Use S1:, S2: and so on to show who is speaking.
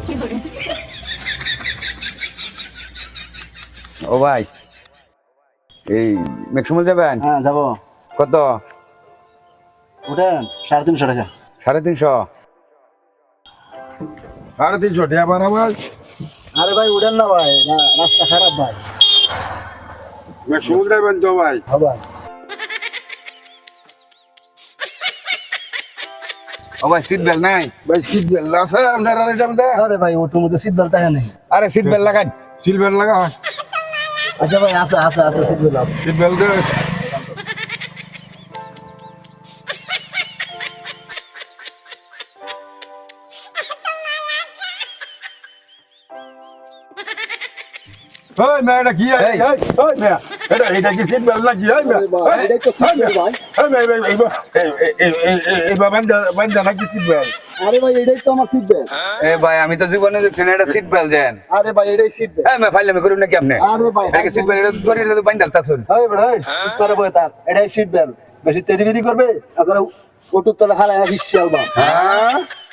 S1: ও ভাই এই ম্যাক্সিমাল যাবেন?
S2: হ্যাঁ যাবো।
S1: কত?
S2: উঠেন 350 টাকা।
S1: 350?
S3: 350 টাকা আমার আমার
S2: আরে ভাই উঠেন না ভাই, না রাস্তা খারাপ ভাই।
S3: ম্যাক্সিমাম যাবেন তো ভাই?
S2: হ্যাঁ ভাই।
S1: ও ভাই সিট বেল্ট নাই?
S3: ভাই সিট বেল্ট আছে আপনার আর এটা মধ্যে?
S2: আরে ভাই ওটার মধ্যে সিট বেল্ট থাকে নেই।
S1: আরে সিট বেল্ট লাগান।
S3: সিট বেল্ট লাগা হয়?
S2: আচ্ছা ভাই আছে আছে আছে সিট বেল্ট আছে।
S3: সিট বেল্ট দে। ওই না এটা কি এই ওই না এটা কি সিট বেল্ট নাকি? এই না
S2: এটাই তো সিট বেল্ট ভাই।
S3: এই বান্দা নাকি সিট বেল্ট?
S2: আরে ভাই এটাই তো আমার সিট বেল্ট।
S1: এ ভাই আমি তো জীবনে দেখছি না এটা সিট বেল্ট দেন।
S2: আরে ভাই এটাই সিট বেল্ট।
S1: এই মে ফাইলে করুন নাকি আপনি?
S2: আরে ভাই
S1: এটা সিট বেল্ট এটা ধরে এটা বাইন্দা তাছুন।
S2: এই ভাই চুপ করে বই তার, এটাই সিট বেল্ট। বেশি তেরিবিরি করবে আপনারা ওটুর তলে হারায় হিসছে আলবা।
S1: হ্যাঁ